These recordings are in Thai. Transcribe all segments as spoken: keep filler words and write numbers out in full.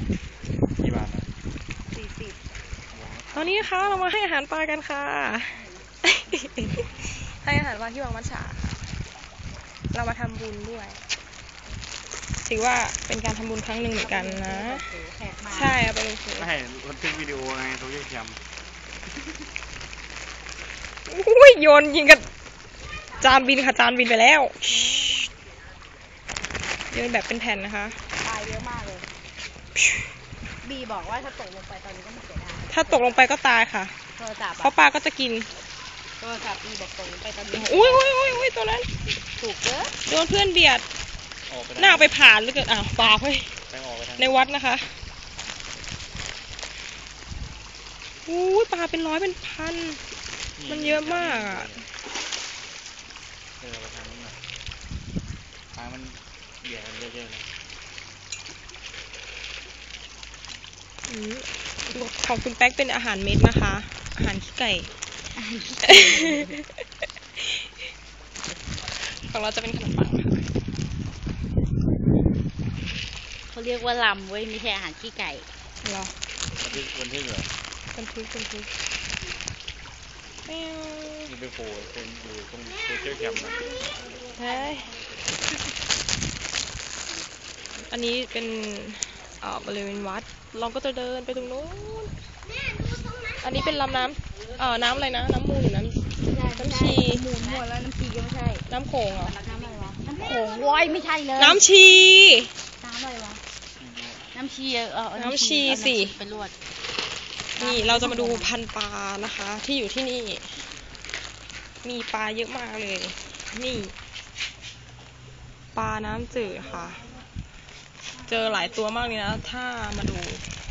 กี่บาทนะสี่สิบตอนนี้นะคะเรามาให้อาหารปลากันค่ะ ให้อาหารปลาที่วังมัชฉาค่ะเรามาทำบุญด้วยถือว่าเป็นการทำบุญครั้งหนึ่งเหมือนกันนะใช่เอาไปลงเฟซไม่บันทึกวิดีโอไงโซเชียลแคมอุ้ยโยนยิงกับจานบินค่ะจานบินไปแล้วโยนแบบเป็นแผ่นนะคะปลาเยอะมากเลยบีบอกว่าถ้าตกลงไปตอนนี้ก็ไม่เสียดายถ้าตกลงไปก็ตายค่ะโทรศัพท์เพราะปลาก็จะกินโทรศัพท์บีบอกตกลงไปตอนนี้อุ้ยอุ้ยอุ้ยอุ้ยตัวนั้นถูกเยอะโดนเพื่อนเบียดหน้าไปผ่านหรือเกิดอ้าวปลาเฮ้ยในวัดนะคะอู้ยปลาเป็นร้อยเป็นพันมันเยอะมากอ่ะเออไปทางนี้หน่อยปลามันเบียดกันเยอะๆเลยของคุณแป๊กเป็นอาหารเม็ดนะคะอาหารขี้ไก่ของเราจะเป็นขนมปังเขาเรียกว่าลำเว้ยไม่ใช่อาหารขี้ไก่หรอบันทึกบันทึกเหรอบันทึกบันทึกนี่ไปโผล่เป็นอยู่ตรงโซเชียลแคมป์นะใช่อันนี้เป็นเอ่อบริเวณวัดเราก็จะเดินไปตรงนู้นอันนี้เป็นลำน้ำเอ่อน้ำอะไรนะน้ำมูลหรือน้ำน้ำชีมูลหมดแล้วน้ำชีก็ไม่ใช่น้ำโขงเหรอน้ำอะไรวะน้ำโขงว้อยไม่ใช่เลยน้ำชีน้ำอะไรวะน้ำชีเออน้ำชีสิเป็นลวดนี่เราจะมาดูพันปลานะคะที่อยู่ที่นี่มีปลาเยอะมากเลยนี่ปลาน้ำจืดค่ะเจอหลายตัวมากเลยนะถ้ามาดู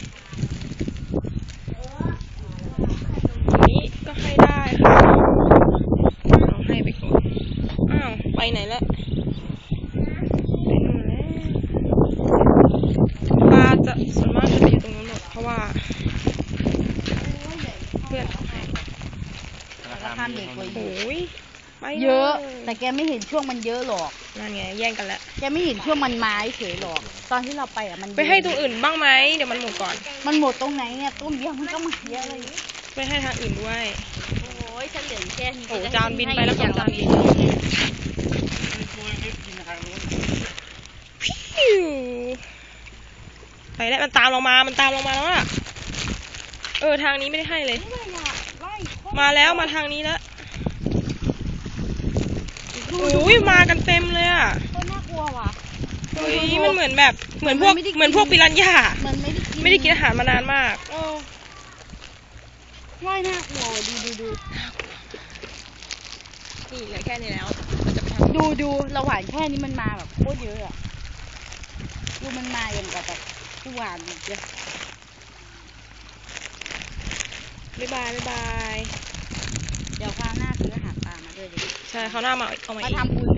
นี้ก็ให้ได้ค่ะเราให้ไปก่อนอ้าวไปไหนแล้วไปนู่นแล้วปลาจะส่วนมากจะไปอยู่ตรงนู้นหมดเพราะว่าเพื่อนเอาให้ราคาเด็กเลยโอ้ยเยอะแต่แกไม่เห็นช่วงมันเยอะหรอกนั่นไงแย่งกันแล้วแกไม่เห็นช่วงมันไม้เฉยหรอกตอนที่เราไปอ่ะมันไปให้ตรงอื่นบ้างไหมเดี๋ยวมันหมดก่อนมันหมดตรงไหนเนี่ยต้นเดียวมันก็มาเยอะเลยไปให้ทางอื่นด้วยโอ้ยฉันเหลือแค่นี้โอ้จานบินไปแล้วจานบินพิ้วไปแล้วมันตามเรามามันตามเรามาแล้วอะเออทางนี้ไม่ได้ให้เลยมาแล้วมาทางนี้แล้วอุ้ยมากันเต็มเลยอ่ะน่ากลัวว่ะเฮ้ยมันเหมือนแบบเหมือนพวกเหมือนพวกปิรันย่ามันไม่ได้กินไม่ได้กินอาหารมานานมากโอ้ว่ายน่ากลัวดูดูดูนี่เหลือแค่นี้แล้วดูดูเราหวานแค่นี้มันมาแบบโคตรเยอะอ่ะดูมันมาอย่างกับแบบหวานเยอะบ๊ายบายบ๊ายบายเดี๋ยวคราวหน้าซื้ออาหารปลามาด้วยดิใช่คราวหน้ามาเอามาทำบุญ